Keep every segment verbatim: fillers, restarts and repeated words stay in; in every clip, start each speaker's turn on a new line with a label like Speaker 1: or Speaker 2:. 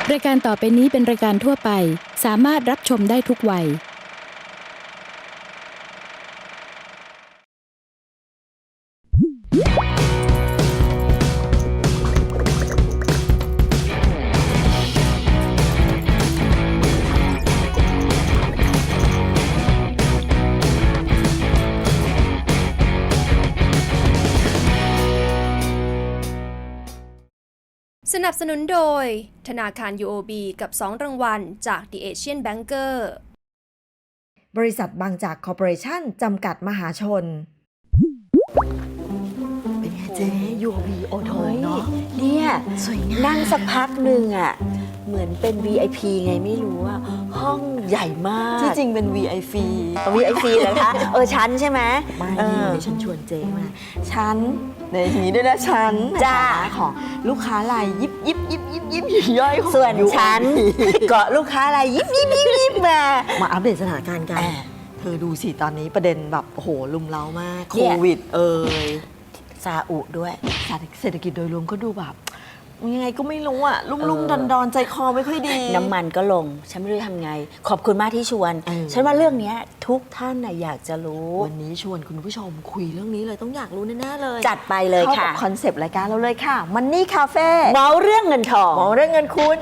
Speaker 1: รายการต่อไปนี้เป็นรายการทั่วไปสามารถรับชมได้ทุกวัย
Speaker 2: สนับสนุนโดยธนาคาร ยู โอ บี กับ สอง รางวัลจาก The Asian Banker
Speaker 3: บริษัทบางจากคอร์ปอเรชั่นจำกัดมหาชนเป็นไงเจ๊ ยู โอ บี โอ โท เนาะ
Speaker 4: เนี่ย
Speaker 3: สวยงาม
Speaker 4: นั่งสักพักหนึ่งอ่ะเหมือนเป็น วี ไอ พี ไงไม่รู้อ่ะห้องใหญ่มาก
Speaker 3: ที่จริงเป็น วี ไอ พี
Speaker 4: วี ไอ พี เหรอคะเออชั้นใช่ไหม
Speaker 3: ไม่
Speaker 4: เอ
Speaker 3: นี่
Speaker 4: อ
Speaker 3: เดี๋ยวฉันชวนเจ๊มาฉันในทีนี้ด้วยนะฉัน
Speaker 4: จ้า
Speaker 3: ของลูกค้ารายยิบยิบยิบยิบยิบย่อยของ
Speaker 4: ส่วน
Speaker 3: ยู
Speaker 4: ชั้นเกาะลูกค้าอะไรยิบยิบยิบยิบมา
Speaker 3: มาอัปเดตสถานการณ์กัน
Speaker 4: อ่า
Speaker 3: เธอดูสิตอนนี้ประเด็นแบบโอ้โหลุมเล้ามากโค
Speaker 4: เนี่ย
Speaker 3: วิดเอ่ย
Speaker 4: ซาอุด้วย
Speaker 3: เศรษฐกิจโดยรวมก็ดูแบบยังไงก็ไม่รู้อะลุ่มๆดอนๆใจคอไม่ค่อยดี
Speaker 4: น้ำมันก็ลง ฉันไม่รู้ทำไง ขอบคุณมากที่ชวน
Speaker 3: เออ
Speaker 4: ฉันว่าเรื่องเนี้ยทุกท่านน่ะอยากจะรู้
Speaker 3: วันนี้ชวนคุณผู้ชมคุยเรื่องนี้เลยต้องอยากรู้แน่ๆเลย
Speaker 4: จัดไปเลย
Speaker 3: เข้า
Speaker 4: ค่ะ
Speaker 3: กับคอนเซปต์รายการเราเลยค่ะมันนี่คาเฟ่
Speaker 4: เมาเรื่องเงินทอง
Speaker 3: หมอเรื่องเงินคุณ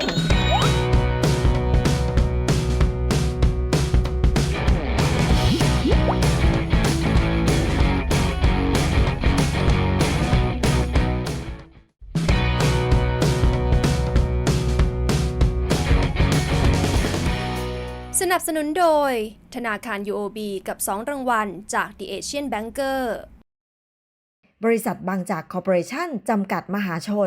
Speaker 2: สนับสนุนโดยธนาคาร ยู โอ บี กับ สอง รางวัลจาก The Asian Banker
Speaker 3: บริษัทบางจากคอร์ปอเรชั่นจำกัดมหาชน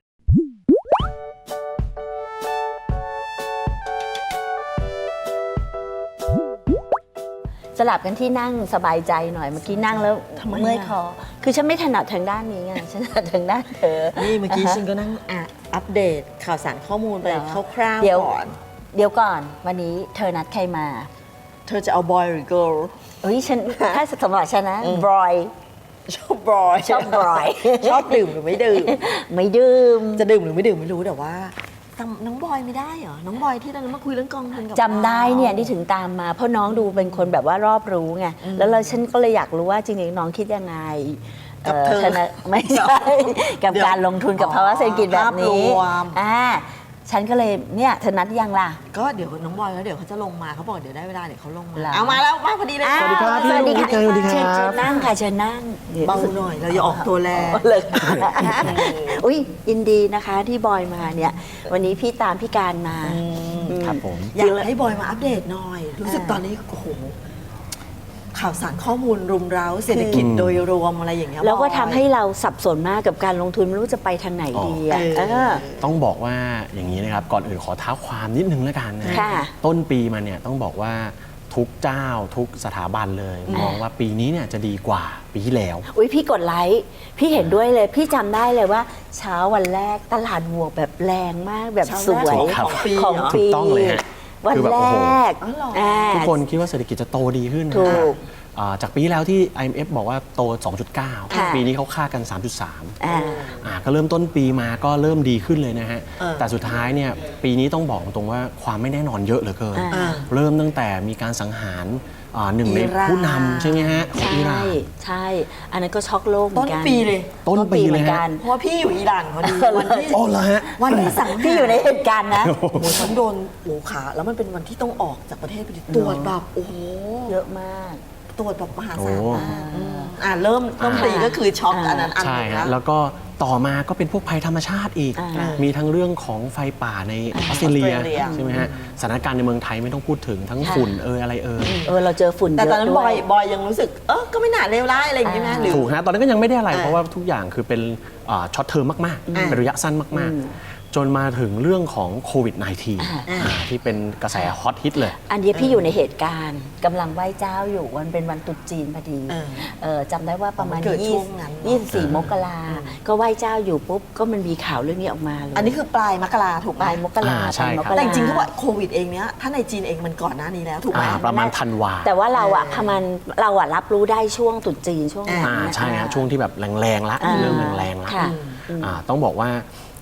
Speaker 4: สลับกันที่นั่งสบายใจหน่อยเมื่อกี้นั่งแล้ว
Speaker 3: ทำไมอะ
Speaker 4: เมื่อยคอคือฉันไม่ถนัดทางด้านนี้ไงฉันถนัดทางด้านเธอ
Speaker 3: นี่เมื่อกี้
Speaker 4: าฮะ
Speaker 3: ฉันก็นั่งอ่ะอัปเดตข่าวสารข้อมูลไป
Speaker 4: เหรอ
Speaker 3: คร่าว
Speaker 4: เดี๋ยว
Speaker 3: ๆก่อน
Speaker 4: เดี๋ยวก่อนวันนี้เธอนัดใครมา
Speaker 3: เธอจะเอาบอยหรือเกิร์ล
Speaker 4: เอ้ยฉัน ถ้าสำหรับฉันนะ
Speaker 3: อืม
Speaker 4: บรอย
Speaker 3: ชอบบอย
Speaker 4: ชอบบอย
Speaker 3: ชอบดื่มหรือไม่ดื่ม
Speaker 4: ไม่ดื่ม
Speaker 3: จะดื่มหรือไม่ดื่มไม่รู้แต่ว่าจำน้องบอยไม่ได้เหรอ น้องบอยที่เรามาคุยเรื่องกองทุนกับ
Speaker 4: จำได้เนี่ยที่ถึงตามมา เพราะน้องดูเป็นคนแบบว่ารอบรู้ไง
Speaker 3: อืม
Speaker 4: แล้วเราฉันก็เลยอยากรู้ว่าจริงๆน้องคิดยังไง
Speaker 3: กับเธอ
Speaker 4: ธนาไม่ใช่ กับ
Speaker 3: เดี๋ยว
Speaker 4: การลงทุนกับภาวะเศรษฐกิจแบบนี้
Speaker 3: ภาพรวม
Speaker 4: อ่าฉันก็เลยเนี่ยเธอนัดยังล่ะ
Speaker 3: ก็เดี๋ยวน้องบอยแล้วเดี๋ยวเขาจะลงมาเขาบอกเดี๋ยวได้เวลาเดี๋ยวเขาลงมา
Speaker 4: เหรอ
Speaker 3: เอามาแล้วมาพอดีเลย
Speaker 4: อ้าว
Speaker 3: สวัสดีครับ
Speaker 4: สวัสดีค่ะ
Speaker 3: สวัสดีครับ
Speaker 4: เชิญเชิญนั่งค่ะเชิญนั่ง
Speaker 3: เบาหน่อยเราอย่าออกตัวแรง
Speaker 4: เลย อุ้ยยินดีนะคะที่บอยมาเนี่ย วันนี้พี่ตามพี่การมา
Speaker 5: ครับผม
Speaker 3: อยากให้บอยมาอัปเดตหน่อย รู้สึกตอนนี้โอ้โหข่าวสารข้อมูลรุมเร้าเศรษฐกิจโดยรวมอะไรอย่างเงี้ย
Speaker 4: แล้วก็
Speaker 3: บอย
Speaker 4: ทำให้เราสับสนมากกับการลงทุนไม่รู้จะไปทางไหนดีอ่ะ
Speaker 3: อ๋อ
Speaker 4: เออ
Speaker 5: ต้องบอกว่าอย่างนี้นะครับ ก่อนอื่นขอเท้าความนิดนึงแล้วกันนะ
Speaker 4: ค่ะ
Speaker 5: ต้นปีมาเนี่ยต้องบอกว่าทุกเจ้าทุกสถาบันเลย มองว่าปีนี้เนี่ยจะดีกว่าปีที่แล้ว
Speaker 4: อุ้ยพี่กดไลค์พี่เห็นด้วยเลย พี่จำได้เลยว่า เช้าวันแรกตลาดบวกแบบแรงมากแบบสวย
Speaker 5: ครับ
Speaker 3: ของปี
Speaker 4: ของ
Speaker 3: เหรอ
Speaker 4: ปี
Speaker 5: ถูกต้องเลยฮะ
Speaker 4: วัน
Speaker 5: คือแบบ
Speaker 4: แร
Speaker 5: โอ้โห
Speaker 4: ก
Speaker 3: อ๋อเหรอ
Speaker 4: อ่า
Speaker 5: ทุกคนคิดว่าเศรษฐกิจจะโตดีขึ้นนะ
Speaker 4: ถูก
Speaker 5: อ่าจากปีที่แล้วที่ ไอ เอ็ม เอฟ บอกว่าโต สองจุดเก้า
Speaker 4: ค่ะ
Speaker 5: ปีนี้เขาคาดกัน สามจุดสาม
Speaker 4: อ่า
Speaker 5: อ่าก็เริ่มต้นปีมาก็เริ่มดีขึ้นเลยนะฮะ
Speaker 3: เออ
Speaker 5: แต่สุดท้ายเนี่ยปีนี้ต้องบอกตรงว่าความไม่แน่นอนเยอะเหลือเกิน
Speaker 4: อ่า
Speaker 5: เริ่มตั้งแต่มีการสังหารอ่าหนึ่งใน
Speaker 3: อิหร่าน
Speaker 5: ผู้นำใช่ไหมฮะของ
Speaker 4: ใช่
Speaker 5: อิหร่าน
Speaker 4: ใช่ อันนั้นก็ช็อกโลกเหมื
Speaker 3: ต้
Speaker 4: อน นกัน
Speaker 3: ปีเลย
Speaker 5: ต้นปี
Speaker 4: เห
Speaker 5: เล
Speaker 4: มื
Speaker 5: ย
Speaker 4: อน
Speaker 5: ฮะ
Speaker 4: กัน
Speaker 3: เพราะว่าพี่อยู่อิหร่านพอดีวันที่
Speaker 5: โอ้เหรอฮะ
Speaker 3: วันที่สังหาร
Speaker 4: พี่อยู่ในเหตุการณ์นะ
Speaker 3: โอ้โหฉันโดนโอ้ขาแล้วมันเป็นวันที่ต้องออกจากประเทศไปดิตรวจแบบโอ้โห
Speaker 4: เยอะมาก
Speaker 3: ตรวจแบบมหา
Speaker 5: โอ้
Speaker 3: ศาลมากอืมอ่าเริ่มต้นปีก็คือช็อกอันนั้นอันห
Speaker 5: ใช่
Speaker 3: นึง
Speaker 5: ฮะ
Speaker 3: นะ
Speaker 5: แล้วก็ต่อมาก็เป็นพวกภัยธรรมชาติอีก
Speaker 4: อ่า
Speaker 5: มีทั้งเรื่องของไฟป่าในออสเตรเลีย
Speaker 3: ออสเตรเลีย
Speaker 5: ใช่ไหมฮะสถานการณ์ในเมืองไทยไม่ต้องพูดถึงทั้ง
Speaker 4: ค่ะ
Speaker 5: ฝุ่นเอยอะไรเอย
Speaker 4: เออเราเจอฝุ่นเย
Speaker 3: แต่
Speaker 4: อะ
Speaker 3: ตอนนั้น
Speaker 4: ด้
Speaker 3: บ
Speaker 4: ว
Speaker 3: อย ยบอยยังรู้สึก เออก็ไม่น่าเลวร้ายอะไรอย่างเงี้ยนะหรือ
Speaker 5: ถูกฮะตอนนั้นก็ยังไม่ได้อะไร
Speaker 3: อ่า
Speaker 5: เพราะว่าทุกอย่างคือเป็นช็อตเทอมมากๆ
Speaker 3: อ่า
Speaker 5: เป็นระยะสั้นมาก
Speaker 4: อืม
Speaker 5: ๆ จนมาถึงเรื่องของโควิด สิบเก้า
Speaker 4: อ่า
Speaker 5: อ่าที่เป็นกระแสฮอตฮิตเลย
Speaker 4: อันนี้พี่อยู่ในเหตุการณ์กำลังไหว้เจ้าอยู่วันเป็นวันตรุษจีนพอดี
Speaker 3: เออ
Speaker 4: เออจำได้ว่าประมาณ
Speaker 3: มันเกิดช่วงนั้น
Speaker 4: ยี่สิบสี่มกราก็ไหว้เจ้าอยู่ปุ๊บก็มันมีข่าวเรื่องนี้ออกมาเลย
Speaker 3: อันนี้คือปลายมกราถูกไห
Speaker 4: ป
Speaker 3: ม
Speaker 4: ลายมกรา
Speaker 5: อ่าใช่
Speaker 4: ปลายม
Speaker 5: ครับ
Speaker 4: ก
Speaker 3: แต่จริงๆเขาบอกโควิดเองเนี้ยถ้าในจีนเองมันก่อนหน้านี้แล้วถูกไหม
Speaker 5: อ่าประมาณธันวา
Speaker 4: แต่ว่าเราอะประมาณเราอะรับรู้ได้ช่วงตรุษจีนช่วงนั้น
Speaker 5: อ่า
Speaker 4: นะ
Speaker 5: ใช่ฮะช่วงที่แบบแรงๆละ
Speaker 4: อ่า
Speaker 5: เริ่มแรงๆละ
Speaker 4: ค่ะ
Speaker 5: อ่าต้องบอกว่า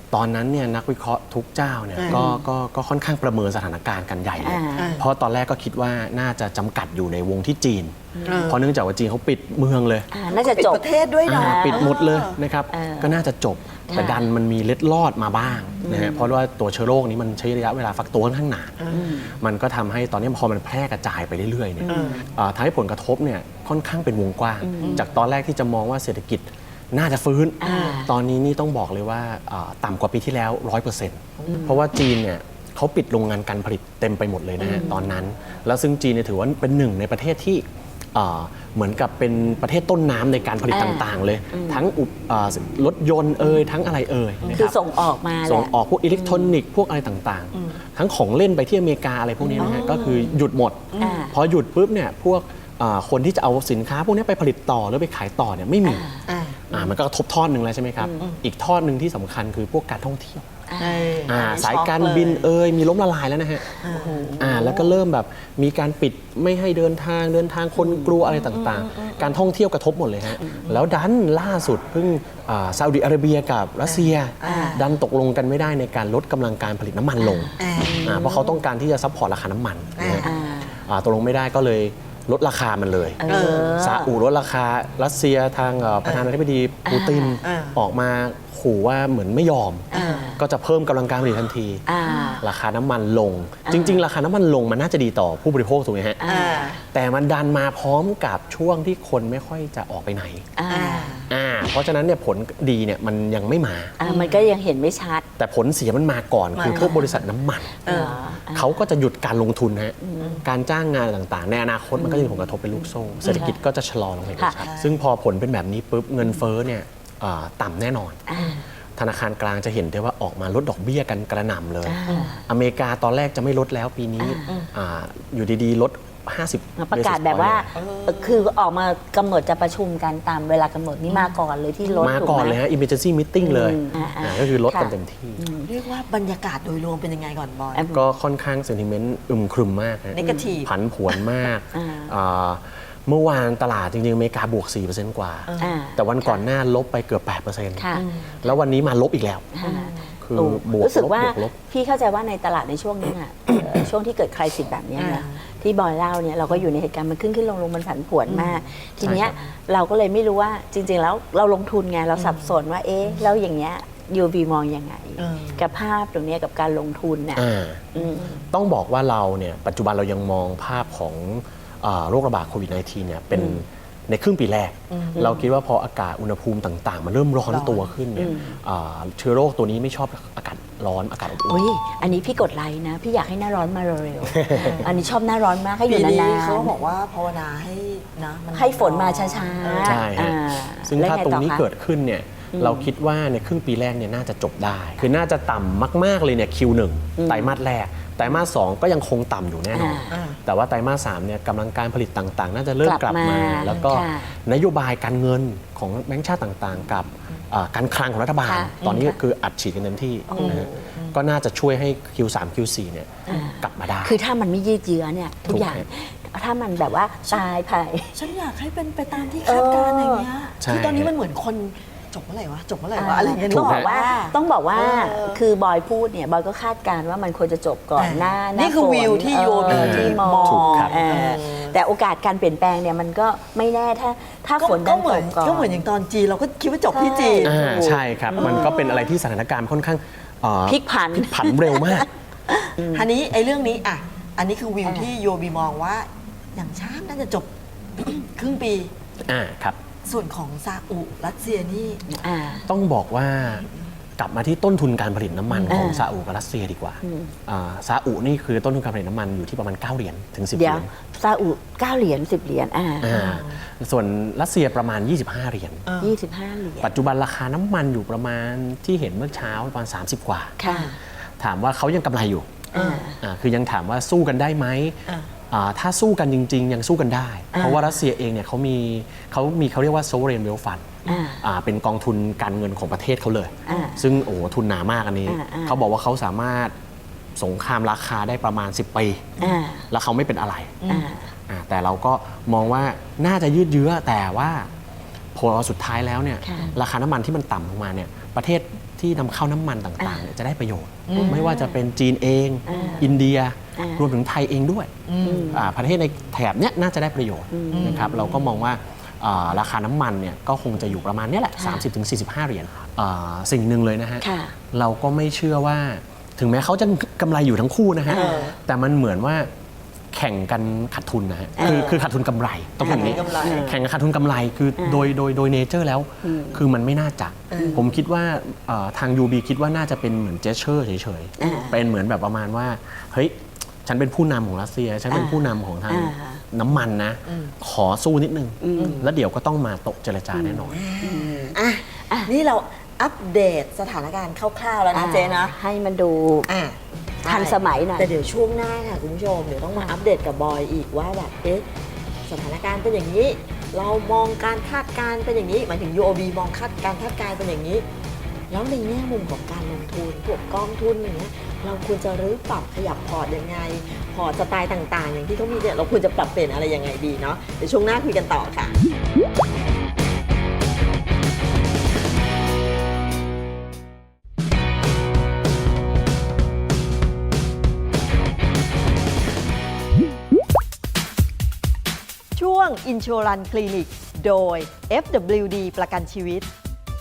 Speaker 5: ตอนนั้นเนี่ยนักวิเคราะห์ทุกเจ้าเนี่ย
Speaker 3: อืม
Speaker 5: ก็ก็ก็ค่อนข้างประเมินสถานการณ์กันใหญ่เลย
Speaker 4: อ่า
Speaker 5: เพราะตอนแรกก็คิดว่าน่าจะจำกัดอยู่ในวงที่จีน
Speaker 3: อ่า
Speaker 5: เพราะเนื่องจากว่าจีนเขาปิดเมืองเลย
Speaker 4: อ่าน่าจะ
Speaker 3: ปิด
Speaker 4: จบ
Speaker 3: ประเทศด้วยเนาะ
Speaker 5: อ่าปิดหมดเลยนะครับ
Speaker 4: เออ
Speaker 5: ก็น่าจะจบ
Speaker 4: ค่ะ
Speaker 5: แต่ดันมันมีเล็ดลอดมาบ้างนะฮะเพราะว่าตัวเชื้อโรคนี้มันใช้ระยะเวลาฟักตัวค่อนข้างนานมันก็ทำให้ตอนนี้พอมันแพร่กระจายไปเรื่อยๆเนี่ยอ่าทำให้ผลกระทบเนี่ยค่อนข้างเป็นวงกว้าง จากตอนแรกที่จะมองว่าเศรษฐกิจน่าจะฟื้น
Speaker 4: อ่า
Speaker 5: ตอนนี้นี่ต้องบอกเลยว่าอ่าต่ำกว่าปีที่แล้ว ร้อยเปอร์เซ็นต์ เพราะว่าจีนเนี่ยเขาปิดโรงงานการผลิตเต็มไปหมดเลยนะฮะตอนนั้น แล้วซึ่งจีนเนี่ยถือว่าเป็นหนึ่งในประเทศที่อ่าเหมือนกับเป็นประเทศต้นน้ำในการผลิต
Speaker 4: อ่า
Speaker 5: ต่างๆ เลย ทั้งอุปอ่ารถยนต์เอ่ยทั้งอะไรเอ่ยนะ
Speaker 4: คื
Speaker 5: รั
Speaker 4: อบ ส่งออกมาแห
Speaker 5: ส่ง
Speaker 4: ละ
Speaker 5: ออกพวกอิเล็กทรอนิกส์พวกอะไรต่างๆ ทั้งของเล่นไปที่อเมริกาอะไรพวกนี้นะฮะก็คือหยุดหมด
Speaker 4: อ่า
Speaker 5: พอหยุดปุ๊บเนี่ยพวกอ่าคนที่จะเอาสินค้าพวกนี้ไปผลิตต่อหรือไปขายต่อเนี่ยไม่มี
Speaker 3: อ่า
Speaker 5: อ่ามันก็กระทบทอดหนึ่งแล้วใช่ไหมครับ อีกทอดหนึ่งที่สำคัญคือพวกการท่องเที่ยว
Speaker 3: เออ
Speaker 5: อ่า
Speaker 3: อันนี้
Speaker 5: สายการ
Speaker 3: ช็อกเลย
Speaker 5: บินเอ่ยมีล้มละลายแล้วนะฮะอ่าแล้วก็เริ่มแบบมีการปิดไม่ให้เดินทางเดินทางคนกลัวอะไรต่างๆ การท่องเที่ยวกระทบหมดเลยฮะแล้วดันล่าสุดเพิ่งอ่าซาอุดิอาระเบียกับรัสเซีย ดันตกลงกันไม่ได้ในการลดกำลังการผลิตน้ำมันลง
Speaker 3: อ่า
Speaker 5: อ่าเพราะเขาต้องการที่จะซัพพอร์ตราคาน้ำมันนะฮะ
Speaker 4: อ่า
Speaker 5: อ่าตกลงไม่ได้ก็เลยลดราคามันเลย
Speaker 4: เออ
Speaker 5: ซาอุลดราคารัสเซียทางเอ่อประธานาธิบดีปูติน
Speaker 3: อ่า
Speaker 5: ออกมาขู่ว่าเหมือนไม่ยอม
Speaker 4: อ่า
Speaker 5: ก็จะเพิ่มกำลังการผลิตทันที
Speaker 4: อ่า
Speaker 5: ราคาน้ำมันลง จริง ๆ ราคาน้ำมันลงมันน่าจะดีต่อผู้บริโภคถูกไหมฮะ
Speaker 4: อ่า
Speaker 5: แต่มันดันมาพร้อมกับช่วงที่คนไม่ค่อยจะออกไปไหน
Speaker 4: อ่า
Speaker 3: อ่า
Speaker 5: อ่าเพราะฉะนั้นเนี่ยผลดีเนี่ยมันยังไม่มา
Speaker 4: อ่ามันก็ยังเห็นไม่ชัด
Speaker 5: แต่ผลเสียมันมาก่อน
Speaker 3: มา
Speaker 5: คือพวกบริษัทน้ำมัน
Speaker 3: เออ
Speaker 5: เขาก็จะหยุดการลงทุนฮะการจ้างงานต่างๆ ในอนาคตมันก็จะมีผลกระทบเป็นลูกโซ่ เศรษฐกิจก็จะชะลอลงไปด้วย
Speaker 4: ค่ะ
Speaker 5: ซึ่งพอผลเป็นแบบนี้ปุ๊บเงินเฟ้อเนี่ยอ่าต่ำแน่นอน
Speaker 4: อ่า
Speaker 5: ธนาคารกลางจะเห็นได้ว่าออกมาลดดอกเบี้ยกันกระหน่ำเลย
Speaker 4: อ่า
Speaker 5: อเมริกาตอนแรกจะไม่ลดแล้วปีนี้อ่าอยู่ดีๆ ลด ห้าสิบ
Speaker 4: ประกาศแบบว่า
Speaker 5: basis point
Speaker 4: เอ่อคือออกมากำหนดจะประชุมกันตามเวลากำหนดนี่มาก่อนเลยที่รถ
Speaker 5: มา
Speaker 4: ถู
Speaker 5: ก่อน
Speaker 4: ไห
Speaker 5: เลยฮะ emergency meeting เลย
Speaker 4: อืมอ่าๆ
Speaker 5: อ่าก็คือลดกัน
Speaker 4: ค่ะ
Speaker 5: เต็มที่
Speaker 3: เรียกว่าบรรยากาศโดยรวมเป็นยังไงก่อนบอย
Speaker 4: อ่ะ
Speaker 5: ก็ค่อนข้างเซนติเมนต์อึมครึมมากฮะ
Speaker 3: Negative
Speaker 5: ผันผวนมาก
Speaker 4: อ่า
Speaker 5: อ่าเมื่อวานตลาดจริงๆ อเมริกาบวก สี่เปอร์เซ็นต์ กว่า
Speaker 4: อ่า
Speaker 5: แต่วันก่อนหน้าลบไปเกือบ แปดเปอร์เซ็นต์
Speaker 4: ค่ะ
Speaker 5: แล้ววันนี้มาลบอีกแล้ว
Speaker 4: ค่ะ
Speaker 5: คือ
Speaker 4: โอ้
Speaker 5: บวก
Speaker 4: รู้สึก
Speaker 5: ลบ
Speaker 4: ว่า
Speaker 5: บวกลบ
Speaker 4: พี่เข้าใจว่าในตลาดในช่วงนี้อ่ะ เอ่อช่วงที่เกิดใครสิทธิ์แบบเนี้ยนะ
Speaker 3: อ่า
Speaker 4: ที่บอยเล่าเนี่ยเราก็อยู่ในเหตุการณ์มันขึ้นขึ้นลงลงมันผันผวนมาก ทีเนี้ย
Speaker 5: ใช่ครับ
Speaker 4: เราก็เลยไม่รู้ว่าจริง ๆ แล้วเราลงทุนไงเราสับสนว่าเอ๊ะแล้วอย่างเงี้ยยูบีมองยังไง
Speaker 3: เออ
Speaker 4: กับภาพตรงเนี้ยกับการลงทุนเนี่ย
Speaker 5: อ่า
Speaker 4: อืม
Speaker 5: ต้องบอกว่าเราเนี่ยปัจจุบันเรายังมองภาพของเอ่อโรคระบาดโควิด สิบเก้า เนี่ยเป็นในครึ่งปีแรก เราคิดว่าพออากาศอุณหภูมิต่าง ๆ มันเริ่มร้อน
Speaker 3: ร้อน
Speaker 5: ตัวขึ้นเนี่ยอ่าเชื้อโรคตัวนี้ไม่ชอบอากาศร้อนอากาศอบอุ่น
Speaker 4: อุ้ยอันนี้พี่กดไลค์นะ พี่อยากให้หน้าร้อนมาเร็วๆ อันนี้ชอบหน้าร้อนมากให้อ
Speaker 3: ปี
Speaker 4: ยู่
Speaker 3: นี้
Speaker 4: นาน
Speaker 3: เขาบอกว่าภาวนาให้นะมัน
Speaker 4: ๆให้ฝนมาช้า
Speaker 3: เออ
Speaker 4: ๆ
Speaker 5: ใช่ฮะ
Speaker 4: อ่า
Speaker 5: ซึ่ง
Speaker 4: แล้ว
Speaker 5: ถ้า
Speaker 4: ไ
Speaker 5: ตรงนี้
Speaker 4: อคะ
Speaker 5: เกิดขึ้นเนี่ยเราคิดว่าในครึ่งปีแรกเนี่ยน่าจะจบได้ คือน่าจะต่ำมาก ๆ เลยเนี่ย คิว หนึ่ง ไตรมาสแรก ไตรมาสสองก็ยังคงต่ำอยู่แน่นอน
Speaker 3: อ่า
Speaker 5: แต่ว่าไตรมาสสามเนี่ยกำลังการผลิตต่าง ๆ น่าจะเริ่ม
Speaker 4: ก
Speaker 5: ก
Speaker 4: ลั
Speaker 5: ลั
Speaker 4: บบ มา
Speaker 5: มา แล้วก็
Speaker 4: ค่ะ
Speaker 5: นโยบายการเงินของแบงก์ชาติต่าง ๆ กับอ่าการคลังของรัฐบาล
Speaker 4: ค่ะ
Speaker 5: ตอนนี้ก็คืออัดฉีดกันเต็มที่นะฮะก็น่าจะช่วยให้ คิว สาม คิว สี่ เนี่ยกลับมาได้
Speaker 4: คือถ้ามันไม่ยืดเยื้อเนี่ยทุก
Speaker 5: ถูก
Speaker 4: อย่าง
Speaker 5: ฮะ
Speaker 4: ถ้ามันแบบว่าตายภาย
Speaker 3: ฉันอยากให้เป็นไปตามที่คาดการณ์อย่างเงี้ย
Speaker 5: ใช่
Speaker 3: คือตอนนี้มันเหมือนคนจบเมื่อไหร่วะจบเมื่อไหร่วะ
Speaker 4: อ่า
Speaker 3: อะไรอย่างเงี้ย
Speaker 4: ต้อง
Speaker 3: นึ
Speaker 4: บอกว่าต้องบอกว่า
Speaker 3: เออ
Speaker 4: คือบอยพูดเนี่ยบอยก็คาดการณ์ว่ามันควรจะจบก่อนหน้าหา
Speaker 3: นี่คือ
Speaker 4: ฝ
Speaker 3: วิวที่
Speaker 4: เออ
Speaker 3: โยบี
Speaker 4: ที่มอง
Speaker 5: ถูกครับ
Speaker 4: เออแต่โอกาสการเปลี่ยนแปลงเนี่ยมันก็ไม่แน่ถ้าถ้า
Speaker 3: ก็
Speaker 4: ฝนดั
Speaker 3: ก็
Speaker 4: น
Speaker 3: เห
Speaker 4: ต
Speaker 3: มือน
Speaker 4: กก่อน
Speaker 3: ก็เหมือนอย่างตอนจีนเราก็คิดว่าจบที่จีน
Speaker 5: อ่าใช่ครับ มันก็เป็นอะไรที่สถานการณ์ค่อนข้างเอ่อ
Speaker 4: พลิกผัน
Speaker 5: ผันเร็วมาก
Speaker 3: อันนี้ไอ้เรื่องนี้อ่ะอันนี้คือวิวที่โยบีมองว่า อย่างช้าน่าจะจบ ครึ่งปี
Speaker 5: อ่าครับ
Speaker 3: ส่วนของซาอุรัสเซียนี่
Speaker 4: อ่า
Speaker 5: ต้องบอกว่ากลับมาที่ต้นทุนการผลิตน้ำมันของ
Speaker 4: อ่า
Speaker 5: ซาอุกับรัสเซียดีกว่าอ่าซาอุนี่คือต้นทุนการผลิตน้ำมันอยู่ที่ประมาณ เก้า เหรียญถึง สิบ เห
Speaker 4: เดี๋
Speaker 5: รี
Speaker 4: ยวย
Speaker 5: ญ
Speaker 4: ซาอุเก้าเหรียญสิบเหรียญอ่า
Speaker 5: อ่าส่วนรัสเซียประมาณ ยี่สิบห้า เหรียญ
Speaker 4: ยี่สิบห้าเหรียญ
Speaker 5: ปัจจุบันราคาน้ำมันอยู่ประมาณที่เห็นเมื่อเช้าประมาณ สามสิบ กว่า
Speaker 4: ค่ะ
Speaker 5: ถามว่าเขายังกำไรอยู่
Speaker 4: อ่า
Speaker 5: อ่าคือยังถามว่าสู้กันได้ไหม
Speaker 3: อ่า
Speaker 5: อ่าถ้าสู้กันจริง ๆ ยังสู้กันได้
Speaker 4: อ่า
Speaker 5: เพราะว่ารัสเซียเองเนี่ยเขามีเขามีเขาเรียกว่า sovereign wealth fund
Speaker 4: อ่า
Speaker 5: อ่าเป็นกองทุนการเงินของประเทศเขาเลย
Speaker 4: อ่า
Speaker 5: ซึ่งโอ้โหทุนหนามากอันนี้
Speaker 4: อ่าอ่า
Speaker 5: เขาบอกว่าเขาสามารถสงครามราคาได้ประมาณ สิบ ปี
Speaker 4: อ่า
Speaker 5: แล้วเขาไม่เป็นอะไร
Speaker 4: อ่า
Speaker 5: อ่าแต่เราก็มองว่าน่าจะยืดเยื้อแต่ว่าพอสุดท้ายแล้วเนี่ย
Speaker 4: ค่ะ
Speaker 5: ราคาน้ำมันที่มันต่ำลงมาเนี่ยประเทศที่นำเข้าน้ำมันต่างๆเนี่ยจะได้ประโยชน์
Speaker 3: อืม
Speaker 5: ไม่ว่าจะเป็นจีนเอง
Speaker 4: อ่า
Speaker 5: อินเดีย
Speaker 4: อ่าร
Speaker 5: วมถึงไทยเองด้วย
Speaker 3: อืม
Speaker 5: อ่าประเทศในแถบเนี้ยน่าจะได้ประโยชน์
Speaker 4: อืม
Speaker 5: นะครับเราก็มองว่าอ่าราคาน้ำมันเนี่ยก็คงจะอยู่ประมาณเนี้ยแหละ
Speaker 4: ค่ะ
Speaker 5: สามสิบถึงสี่สิบห้า เหรียญอ่าสิ่งหนึ่งเลยนะฮะ
Speaker 4: ค่ะ
Speaker 5: เราก็ไม่เชื่อว่าถึงแม้เขาจะกำไรอยู่ทั้งคู่นะฮะ
Speaker 4: เออ
Speaker 5: แต่มันเหมือนว่าแข่งกันขาดทุนนะฮะ
Speaker 4: เออ
Speaker 5: คือคือขาดทุนกำไรต้องพูดอย่างนี้
Speaker 3: ขาดทุนกำไร
Speaker 5: แข่งกันขาดทุนกำไรคือ
Speaker 4: เออ
Speaker 5: โดยโดยโดยเนเจอร์แล้ว
Speaker 4: อืม
Speaker 5: คือมันไม่น่าจะ
Speaker 3: เออ
Speaker 5: ผมคิดว่าเอ่อทาง ยู บี คิดว่าน่าจะเป็นเหมือนเจสเชอร์เฉย
Speaker 4: อ่า
Speaker 5: ๆเป็นเหมือนแบบประมาณว่าเฮ้ยฉันเป็นผู้นำของรัสเซีย ฉันเป็น
Speaker 4: อ่า
Speaker 5: ผู้นำของทาง
Speaker 4: อ่า
Speaker 5: น้ำมันนะ
Speaker 3: อืม
Speaker 5: ขอสู้นิดนึง
Speaker 4: อืม
Speaker 5: แล้วเดี๋ยวก็ต้องมาโตะเจรจาแน่นอน
Speaker 3: อ่ะ
Speaker 4: อ่ะ
Speaker 3: นี่เราอัปเดตสถานการณ์คร่าวๆแล้วนะเจ๊นะ
Speaker 4: ให้มันดู
Speaker 3: อ่ะ
Speaker 4: ทันสมัยหน่อย
Speaker 3: แต่เดี๋ยวช่วงหน้าค่ะคุณผู้ชมเดี๋ยวต้องมาอัปเดตกับบอยอีกว่าแบบเอ๊ะสถานการณ์เป็นอย่างนี้ เรามองการคาดการณ์เป็นอย่างนี้หมายถึง ยู โอ บี มองคาดการคาดการณ์เป็นอย่างนี้ แล้วในแง่มุมของการลงทุนพวกกองทุนอย่างเงี้ยเราควรจะรื้อปรับขยับพอร์ตยังไง พอร์ตสไตล์ต่างๆ อย่างที่เขามีเนี่ยเราควรจะปรับเปลี่ยนอะไรยังไงดีเนาะเดี๋ยวช่วงหน้าคุยกันต่อค่ะ ช่วง Insurance Clinic โดย เอฟ ดับเบิลยู ดี ประกันชีวิต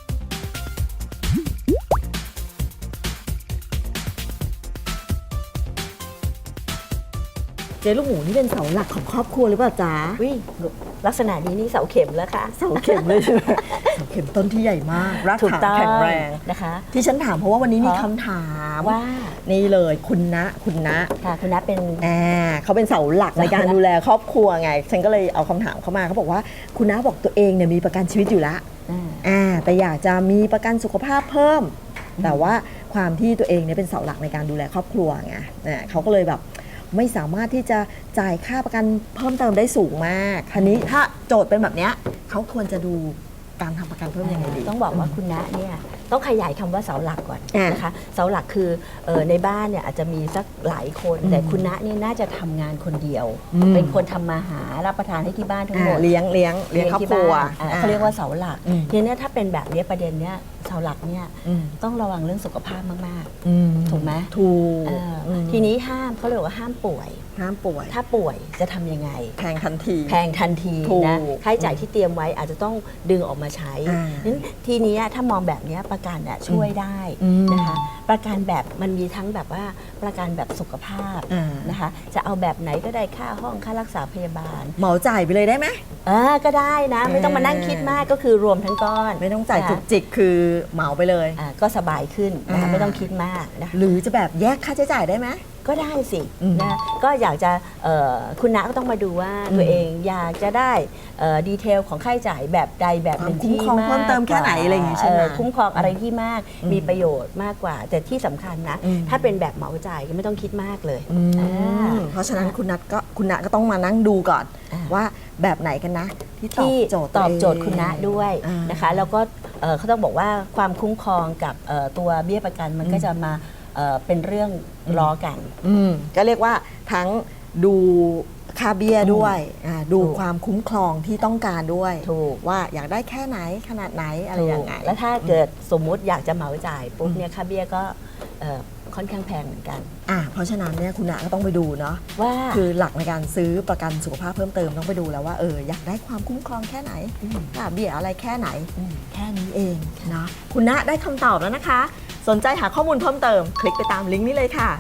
Speaker 3: เจ๊ลูกหมูนี่เป็นเสาหลักของครอบครัวหรือเปล่าจ๊ะ
Speaker 4: วิ่งลักษณะนี้นี่เสาเข็มแล้วค่ะ
Speaker 3: เสาเข็มเลยใช่ไหมเสาเข็มต้นที่ใหญ่มากราก
Speaker 4: ถูก
Speaker 3: ฐาน
Speaker 4: ต้อง
Speaker 3: แข็งแรง
Speaker 4: นะคะ
Speaker 3: ที่ฉันถามเพราะว่าวันนี้มี
Speaker 4: เพราะ
Speaker 3: คำถาม
Speaker 4: ว่า
Speaker 3: นี่เลยคุณณะคุณณะ
Speaker 4: ค่ะคุณนัทเป็น
Speaker 3: อ่าเขาเป็นเสาหลักในการ
Speaker 4: เสาหลัก
Speaker 3: ดูแลครอบครัวไง ฉันก็เลยเอาคำถามเข้ามาเขาบอกว่าคุณน้าบอกตัวเองเนี่ยมีประกันชีวิตอยู่แล้ว
Speaker 4: อ่า
Speaker 3: อ่าแต่อยากจะมีประกันสุขภาพเพิ่ม แต่ว่าความที่ตัวเองเนี่ยเป็นเสาหลักในการดูแลครอบครัวไงอ่าเขาก็เลยแบบไม่สามารถที่จะจ่ายค่าประกันเพิ่มเติมได้สูงมากทีนี้ถ้าโจทย์เป็นแบบเนี้ยเขาควรจะดูการทำประกันเพิ่มยังไงดี
Speaker 4: ต้องบอกว่าคุณณะเนี่ยต้องขยายคำว่าเสาหลักก่อน
Speaker 3: อ่าน
Speaker 4: นะคะเสาหลักคือเออในบ้านเนี่ยอาจจะมีสักหลายคน
Speaker 3: อืม
Speaker 4: แต่คุณณะเนี่ยน่าจะทำงานคนเดียว
Speaker 3: อืม
Speaker 4: เป็นคนทำมาหารับประทานให้ที่บ้านทั้ง
Speaker 3: อ่า
Speaker 4: หมด
Speaker 3: เลี้ยงเลี้ยงเลี้ยงครอบ
Speaker 4: ที่
Speaker 3: ครัว
Speaker 4: บ้านอ่าเขาเรียกว่าเสาหลัก
Speaker 3: อืม
Speaker 4: ทีเนี้ยถ้าเป็นแบบเนี้ยประเด็นเนี้ยเสาหลักเนี่ย
Speaker 3: อืม
Speaker 4: ต้องระวังเรื่องสุขภาพมาก
Speaker 3: อืม
Speaker 4: ถูกไหม
Speaker 3: ถูก
Speaker 4: ๆเอออ
Speaker 3: ม
Speaker 4: ทีนี้ห้ามเขาเรียกว่าห้ามป่วย
Speaker 3: ห้ามป่วย
Speaker 4: ถ้าป่วยจะทำยังไง
Speaker 3: แพงทันที
Speaker 4: แพงทันที
Speaker 3: ถูก
Speaker 4: นะค่าใช้จ่ายที่เตรียมไว้อาจจะต้องดึงออกมาใช้
Speaker 3: อ่า
Speaker 4: นั้นทีนี้ถ้ามองแบบเนี้ยประกันน่ะช่วยได้
Speaker 3: อืม
Speaker 4: นะคะประกันแบบมันมีทั้งแบบว่าประกันแบบสุขภาพ
Speaker 3: อ่าน
Speaker 4: นะคะจะเอาแบบไหนก็ได้ค่าห้องค่ารักษาพยาบาล
Speaker 3: เหมาจ่ายไปเลยได้ไหม
Speaker 4: อ่าก็ได้นะ ไม่ต้องมานั่งคิดมากก็คือรวมทั้งก้อน
Speaker 3: ไม่ต้องจ่าย
Speaker 4: นะ
Speaker 3: จุกจิกคือเหมาไปเลย
Speaker 4: อ่าก็สบายขึ้นนะคะ
Speaker 3: อ่า
Speaker 4: ไม่ต้องคิดมากนะคะ
Speaker 3: หรือจะแบบแยกค่าใช้จ่ายได้ไหม
Speaker 4: ก็ได้สิ
Speaker 3: อืม
Speaker 4: นะก็อยากจะเอ่อคุณน้าก็ต้องมาดูว่า
Speaker 3: อืม
Speaker 4: ตัวเองอยากจะได้เอ่อดีเทลของค่าใช้จ่ายแบบใดแบบหนึ่ง
Speaker 3: ความคุ้ม
Speaker 4: ที่
Speaker 3: ครอง
Speaker 4: มาก
Speaker 3: เพิ่มเติมแค่ไหนอะไรอย่างงี้ใช่ไหม
Speaker 4: เคุ้มครองอะไรที่มาก
Speaker 3: อืม
Speaker 4: มีประโยชน์มากกว่า แต่ที่สำคัญนะ
Speaker 3: อืม
Speaker 4: ถ้าเป็นแบบเหมาจ่ายก็ไม่ต้องคิดมากเลย
Speaker 3: อืม
Speaker 4: อ่า
Speaker 3: เพราะฉะนั้นคุณนัทก็คุณนัทก็ต้องมานั่งดูก่อน
Speaker 4: อ่า
Speaker 3: ว่าแบบไหนกันนะ ที่ตอบ
Speaker 4: ที่
Speaker 3: โจทย์
Speaker 4: ตอบโจทย์
Speaker 3: วเง
Speaker 4: คุณณะด้วย
Speaker 3: อ่าน
Speaker 4: นะคะแล้วก็เอ่อเขาต้องบอกว่าความคุ้มครองกับเอ่อตัวเบี้ยประกันมันก็จะมาเอ่อเป็นเรื่องล้อกัน
Speaker 3: อืมก็เรียกว่าทั้งดูค่าเบี้ยด้วยอ่าดู
Speaker 4: ถูก
Speaker 3: ความคุ้มครองที่ต้องการด้วย
Speaker 4: ถูก
Speaker 3: ว่าอยากได้แค่ไหนขนาดไหนอะไรยังไง
Speaker 4: แล้วถ้าเกิดสมมุติอยากจะเหมาจ่ายปุ๊บเนี่ยค่าเบี้ยก็เอ่อค่อนข้างแพงเหมือนกัน
Speaker 3: อ่าเพราะฉะนั้นเนี่ยคุณณะก็ต้องไปดูเนาะ
Speaker 4: ว่า
Speaker 3: คือหลักในการซื้อประกันสุขภาพเพิ่มเติมต้องไปดูแล้วว่าเอออยากได้ความคุ้มครองแค่ไหนค่าเบี้ยอะไรแค่ไหน แค่นี้เองนะคุณณะได้คำตอบแล้วนะคะ สนใจหาข้อมูลเพิ่มเติม คลิกไปตามลิงก์นี้เลยค่ะ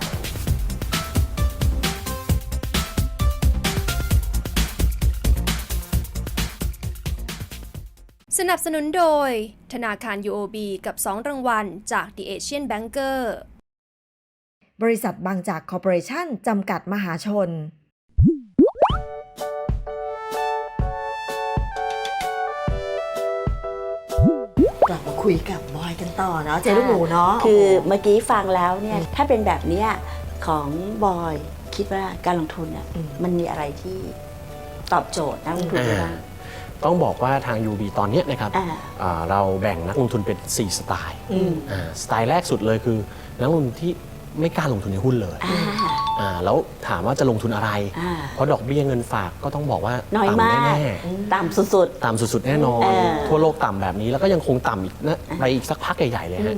Speaker 2: สนับสนุนโดย ธนาคาร ยู โอ บี กับ สอง รางวัลจาก The Asian Banker
Speaker 3: บริษัทบางจากคอร์ปอเรชั่นจำกัดมหาชน กลับมาคุยกับบอยกันต่อเนาะเจ๊ลูกหมูเนาะ
Speaker 4: คือเมื่อกี้ฟังแล้วเนี่ยถ้าเป็นแบบเนี้ยของบอยคิดว่าการลงทุนอ่ะมันมีอะไรที่ตอบโจทย์นักลงทุนได้บ้าง
Speaker 5: ต้องบอกว่าทาง ยู บี ตอนเนี้ยนะครับ
Speaker 4: อ่า
Speaker 5: อ่าเราแบ่งนักลงทุนเป็น สี่ สไตล์
Speaker 4: อืม
Speaker 5: อ่าสไตล์แรกสุดเลยคือนักลงทุนที่ไม่กล้าลงทุนในหุ้นเลย
Speaker 4: อ่า
Speaker 5: อ่าแล้วถามว่าจะลงทุนอะไร
Speaker 4: อ่า
Speaker 5: เพราะดอกเบี้ยเงินฝากก็ต้องบอกว่า
Speaker 4: น้อย
Speaker 5: ต่ำ
Speaker 4: มาก
Speaker 5: แน่
Speaker 4: ต่ำสุด
Speaker 5: ๆต่ำสุดๆ แน่นอน
Speaker 4: เออ
Speaker 5: ทั่วโลกต่ำแบบนี้แล้วก็ยังคงต่ำอีกนะไปอีกสักพักใหญ่ๆเลยฮะ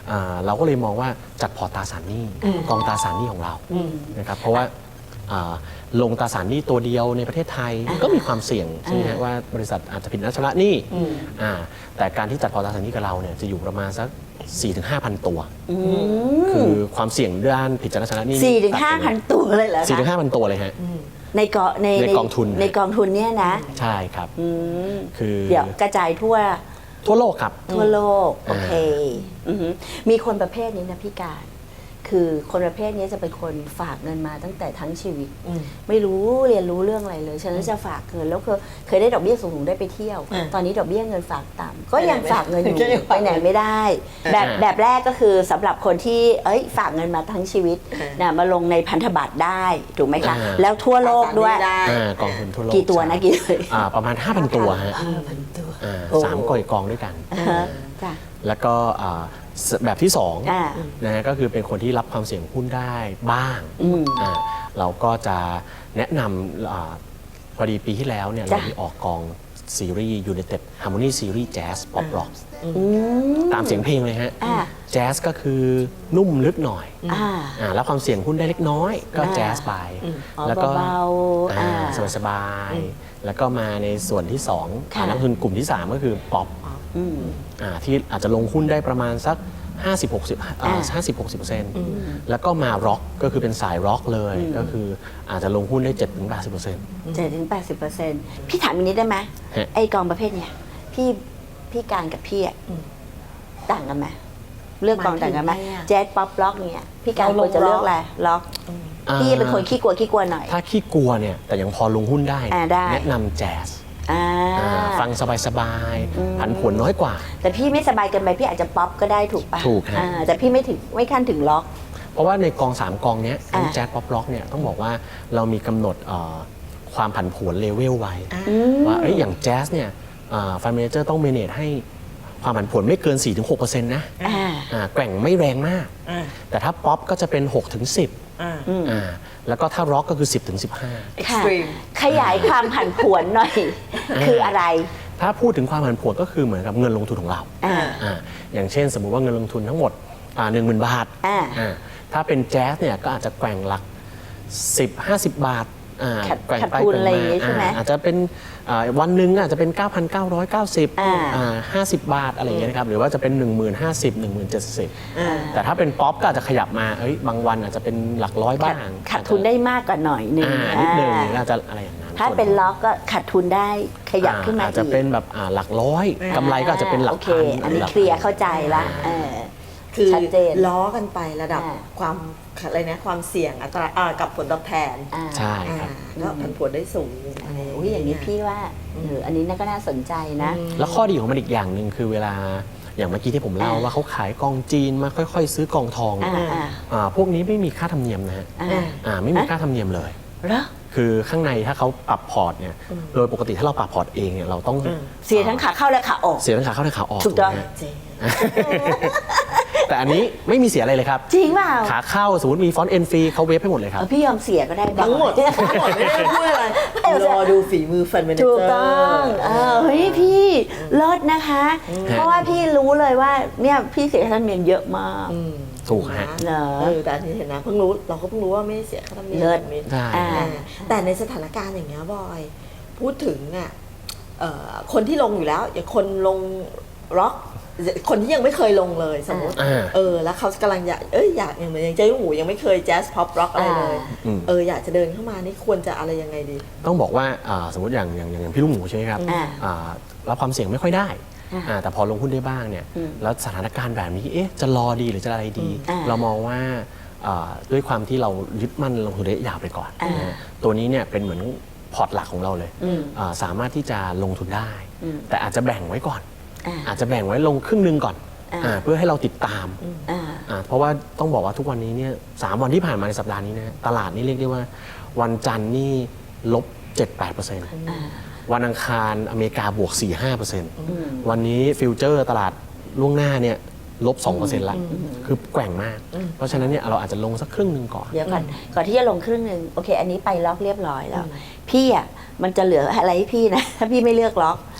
Speaker 5: อ่าเราก็เลยมองว่าจัดพอร์ตตราสารหนี้กองตราสารหนี้ของเรานะครับเพราะว่าอ่าลงตราสารหนี้ตัวเดียวในประเทศไทยก็มีความเสี่ยงใช่ไหมฮะว่าบริษัทอาจจะผิดนัดชำระหนี้อ่าแต่การที่จัดพอร์ตตราสารหนี้กับเราเนี่ยจะอยู่ประมาณสัก สี่ถึงห้าพัน ตัวคือความเสี่ยงด้านผิดนัดชำระหนี้
Speaker 4: สี่ถึงห้าพันตัวเลยเหรอ
Speaker 5: สี่ถึง
Speaker 4: คะ
Speaker 5: ห้าพันตัวเลยฮะ
Speaker 4: ในกอใน
Speaker 5: ในกองทุน
Speaker 4: ในกองทุนเนี่ยนะ
Speaker 5: ใช่ครับ
Speaker 4: อืม
Speaker 5: คือ
Speaker 4: เดี๋ยวกระจายทั่ว
Speaker 5: ทั่วโลกครับ
Speaker 4: ทั่วโลก โอ
Speaker 5: อ่า
Speaker 4: เคอือหือมีคนประเภทนี้นะพี่การ คือคนประเภทนี้จะเป็นคนฝากเงินมาตั้งแต่ทั้งชีวิต
Speaker 3: อืม
Speaker 4: ไม่รู้เรียนรู้เรื่องอะไรเลย ฉะนั้นจะฝากเงินแล้วเคยเคยได้ดอกเบี้ยสูงๆได้ไปเที่ยว
Speaker 3: อ่า
Speaker 4: ตอนนี้ดอกเบี้ยเงินฝากต่ำก็ยัง
Speaker 3: ไปไหน
Speaker 4: ฝากเงินอยู่
Speaker 3: ก็ยัง
Speaker 4: ไป
Speaker 3: ฝาก
Speaker 4: ไหนไม่ได้ แบบ
Speaker 5: อ่า
Speaker 4: แบบแรกก็คือสำหรับคนที่เอ้ยฝากเงินมาทั้งชีวิต
Speaker 3: อ่า
Speaker 4: นะมาลงในพันธบัตรได้ถูกไหมคะ
Speaker 5: อ่า
Speaker 4: แล้วทั่วโลกด้วย
Speaker 3: ได้
Speaker 5: อ่ากองทุนทั่วโลก
Speaker 4: กี่ตัวนะ
Speaker 5: ใช่
Speaker 4: กี่ตัว
Speaker 5: อ่าประมาณ ห้าพัน ตัวฮะ
Speaker 3: ห้าพันตัว
Speaker 5: อ่า
Speaker 4: โอ้
Speaker 5: สามกอยกองด้วยกัน
Speaker 4: อ่าฮะจ้ะ
Speaker 5: แล้วก็อ่าสแบบที่สอง
Speaker 4: อ่า
Speaker 5: นะฮะก็คือเป็นคนที่รับความเสี่ยงหุ้นได้บ้าง
Speaker 4: อืม
Speaker 5: อ่าเราก็จะแนะนำอาพอดีปีที่แล้วเนี่ย
Speaker 4: จ้ะ
Speaker 5: เรามีออกกองซีรีส์ United Harmony Series Jazz Pop Rock
Speaker 4: อืม
Speaker 5: ตามเสียงเพลงเลยฮะ
Speaker 4: อ่า
Speaker 5: แจ๊สก็คือนุ่มลึกหน่อย
Speaker 4: อ่า
Speaker 5: อ่ารับความเสี่ยงหุ้นได้เล็กน้อยก็
Speaker 4: อ่า
Speaker 5: แจ๊สไป
Speaker 4: อ๋อ
Speaker 5: แล้วก็
Speaker 4: เบาๆ
Speaker 5: อ่า
Speaker 4: อ่า
Speaker 5: สบายๆแล้วก็มาในส่วนที่สอง
Speaker 4: ค่ะ
Speaker 5: อ่านักลงทุนกลุ่มที่สามก็คือป๊อป
Speaker 4: อืม
Speaker 5: อ่าที่อาจจะลงหุ้นได้ประมาณสัก ห้าสิบ หกสิบ
Speaker 4: อ่า
Speaker 5: อ่าห้าสิบ หกสิบเปอร์เซ็นต์แล้วก็มาร็อกก็คือเป็นสายร็อกเลย ก็คืออาจจะลงหุ้นได้ เจ็ดถึงแปดสิบเปอร์เซ็นต์
Speaker 4: เจ็ดถึงแปดสิบเปอร์เซ็นต์พี่ถามอีกนิดได้ไหม
Speaker 5: ฮะ
Speaker 4: ไอกองประเภทเนี้ยพี่พี่การกับพี่อะต่างกันไหมเลือกกองต่างกันไหม
Speaker 3: หมายถึงไงอะ
Speaker 4: แจ๊สป๊อปล็อกเนี่ยพี่การ
Speaker 3: เรา
Speaker 4: ควรจะเลือก
Speaker 3: ล็อก
Speaker 4: อะไรล็อกพี่เป็นคนขี้กลัวขี้กลัวหน่อย
Speaker 5: ถ้าขี้กลัวเนี่ยแต่ยังพอลงหุ้นได้
Speaker 4: อ่าได้
Speaker 5: แนะนำแจ๊ส
Speaker 4: อ่า
Speaker 5: อ่าฟังสบายๆผันผวนน้อยกว่า
Speaker 4: แต่พี่ไม่สบายเกินไปพี่อาจจะป๊อปก็ได้ถูกปะ
Speaker 5: ถูกฮะ
Speaker 4: อ่าแต่พี่ไม่ถึงไม่ขั้นถึงล็อก
Speaker 5: เพราะว่าในกองสามกองเนี้ยทั้ง
Speaker 4: อ่า
Speaker 5: แจ๊สป๊อปล็อกเนี่ยต้องบอกว่าเรามีกำหนดเอ่อความผันผวนเลเวลไว้ ว่าเอ้ยอย่างแจ๊สเนี่ยฟันเมเจอร์ต้องเมเนจให้ความผันผวนไม่เกิน สี่ถึงหกเปอร์เซ็นต์ นะ
Speaker 4: อ่า
Speaker 5: อ่าแกว่งไม่แรงมาก
Speaker 3: อ่า
Speaker 5: แต่ถ้าป๊อปก็จะเป็น หกถึงสิบ
Speaker 3: อ่า
Speaker 5: อ่าแล้วก็ถ้าร็อกก็คือ สิบถึงสิบห้า
Speaker 4: ค่ะ
Speaker 3: extreme
Speaker 4: ขยายความผันผวนหน่อย คืออะไร
Speaker 5: ถ้าพูดถึงความผันผวนก็คือเหมือนกับเงินลงทุนของเรา
Speaker 4: อ่า
Speaker 5: อ่าอย่างเช่นสมมุติว่าเงินลงทุนทั้งหมดหนึ่งหมื่นบาท
Speaker 4: อ่า
Speaker 5: อ่าถ้าเป็นแจ๊สเนี่ยก็อาจจะแกว่งหลัก สิบ ห้าสิบ บาทอ่า
Speaker 4: ขาด
Speaker 5: แกว่ง
Speaker 4: ขาด
Speaker 5: ไป
Speaker 4: ทุน
Speaker 5: แกว่ง
Speaker 4: อะไรอย่าง
Speaker 5: มา
Speaker 4: งี้ใช่ไหม
Speaker 5: อ่าอาจจะเป็นอ่าวันหนึ่งอาจจะเป็น เก้าพันเก้าร้อยเก้าสิบ
Speaker 4: อ่า
Speaker 5: อ่าห้าสิบ บาทอะไรอย่างเงี้ยนะครับหรือว่าจะเป็น หนึ่งหมื่นห้าสิบ หนึ่งหมื่นเจ็ดสิบ
Speaker 3: อ่า
Speaker 5: แต่ถ้าเป็นป๊อปก็อาจจะขยับมาเอ้ยบางวันอาจจะเป็นหลักร้อย
Speaker 4: ขา
Speaker 5: บ้า
Speaker 4: ด
Speaker 5: ง
Speaker 4: ขาดทุนได้มากกว่าหน่อยหนึ่ง
Speaker 5: อ่านิดนึง
Speaker 4: อ่า
Speaker 5: หรืออาจจะอะไรอย่างนั้น
Speaker 4: ถ้าเป็นล็อกก็ขาดทุนได้ขยับขึ้นมา
Speaker 5: อาจจะเป็นแบบอ่าหลักร้อยกำไรก็อาจจะเป็นหลัก
Speaker 4: โอเค
Speaker 5: พัน
Speaker 4: อันนี้
Speaker 5: หลัก
Speaker 4: เคลียร์เข้าใจละเออ
Speaker 3: คือ
Speaker 4: ชัดเจน
Speaker 3: ล้อกันไประดับ
Speaker 4: อ่า
Speaker 3: ความอะไรนะความเสี่ยงอัตราอ่ากับผลตอบแทน
Speaker 4: อ่า
Speaker 5: ใช่
Speaker 3: อ่า
Speaker 5: ครับ
Speaker 3: ก็ผันผวนได้สูงอะไร
Speaker 4: โอ้ยอย่างนี้พี่ว่าเอออันนี้น่าก็น่าสนใจนะ
Speaker 5: แล้วข้อดีของมันอีกอย่างหนึ่งคือเวลาอย่างเมื่อกี้ที่ผมเล่า
Speaker 4: อ่า
Speaker 5: ว่าเขาขายกองจีนมาค่อยๆ ซื้อกองทอง
Speaker 4: อ่าอ่า
Speaker 5: อ่าพวกนี้ไม่มีค่าธรรมเนียมนะฮะ
Speaker 4: อ่า
Speaker 5: อ่าไม่มีค่าธรรมเนียมเลย
Speaker 4: เหรอ
Speaker 5: คือข้างในถ้าเขาปรับพอร์ตเนี่ยโดยปกติถ้าเราปรับพอร์ตเองเนี่ยเราต้อง
Speaker 4: เสียทั้งขาเข้าและขาออก
Speaker 5: เสียทั้งขาเข้าและขาออก
Speaker 4: ถูกต้อง
Speaker 5: ไหมฮะ
Speaker 3: เจ๊
Speaker 5: แต่อันนี้ไม่มีเสียอะไรเลยครับ
Speaker 4: จริงเปล่า
Speaker 5: ขาเข้าสมมติมีฟอนต์เอ็นฟรีเขาเวฟให้หมดเลยค
Speaker 4: เอ
Speaker 5: รับ
Speaker 4: อพี่ยอมเสียก็ได้
Speaker 3: ทั้งหมดทั้งหมดไม่ได้พูดอะไร รอดูฝีมือฟันเมเนเจอร์
Speaker 4: ถูกต้องเออเฮ้ยพี่เลิศนะคะ เพราะว่าพี่รู้เลยว่าเนี่ยพี่เสียค่าธรรมเนียมเยอะมาก
Speaker 3: อืม
Speaker 5: ถูกฮะ
Speaker 4: เหรอ
Speaker 3: เออแต่อันนี้เห็นนะเพิ่งรู้เราก็เพิ่งรู้ว่าไม่ได้เสียค่าธรรมเนียม
Speaker 4: เลิศ
Speaker 3: แบบนี้
Speaker 5: ใช่
Speaker 4: อ่า
Speaker 3: อ่าแต่ในสถานการณ์อย่างเงี้ยบอย พูดถึงอ่ะเอ่อคนที่ลงอยู่แล้ว อย่างคนลงร็อกคนที่ยังไม่เคยลงเลยสมมติ
Speaker 5: อ่า
Speaker 3: เออแล้วเขากำลังอยากเอ้ยอยากอย่างเหมือนอย่างเจ๊หูยังไม่เคยแจ๊สพ็อปร็อกอะไรเลย
Speaker 5: อืม
Speaker 3: เอออยากจะเดินเข้ามานี่ควรจะอะไรยังไงดี
Speaker 5: ต้องบอกว่าอ่าสมมติอย่างอย่างอย่างพี่ลูกหมูใช่ไหมครับ
Speaker 4: อ่า
Speaker 5: อ่ารับความเสี่ยงไม่ค่อยได้
Speaker 4: อ่า
Speaker 5: อ่าแต่พอลงหุ้นได้บ้างเนี่ย
Speaker 4: อืม
Speaker 5: แล้วสถานการณ์แบบนี้เอ๊ะจะรอดีหรือจะอะไรดี
Speaker 4: อ่า
Speaker 5: เรามองว่าอ่าด้วยความที่เรายึดมั่นลงทุนระยะยาวไปก่อน
Speaker 4: อ่า
Speaker 5: นะฮะตัวนี้เนี่ยเป็นเหมือนพอร์ตหลักของเราเลย
Speaker 4: อืม
Speaker 5: อ่าสามารถที่จะลงทุนได้
Speaker 4: อืม
Speaker 5: แต่อาจจะแบ่งไว้ก่อน
Speaker 4: อ่า
Speaker 5: อาจจะแบ่งไว้ลงครึ่งหนึงก่อน
Speaker 4: อ่า
Speaker 5: อ่าเพื่อให้เราติดตาม
Speaker 4: อ่า
Speaker 5: อ่าเพราะว่าต้องบอกว่าทุกวันนี้เนี่ยสามวันที่ผ่านมาในสัปดาห์นี้นะตลาดนี่เรียกได้ว่าวันจันทร์นี่ลบ เจ็ดแปดเปอร์เซ็นต์
Speaker 4: อ่า
Speaker 5: วันอังคารอเมริกาบวก สี่ห้าเปอร์เซ็นต์
Speaker 4: อืม
Speaker 5: วันนี้ฟิวเจอร์ตลาดล่วงหน้าเนี่ยลบ สองเปอร์เซ็นต์ ละ คือแกว่งมาก เพราะฉะนั้นเนี่ยเราอาจจะลงสักครึ่งหนึ่งก่อน
Speaker 4: เดี๋ยวก่อนก่อนที่จะลงครึ่งหนึ่งโอเค อันนี้ไปล็อกเรียบร้อยแล้ว พี่อ่ะมันจะเหลืออะไรให้พี่นะ ถ้าพี่ไม่เลือกล็อก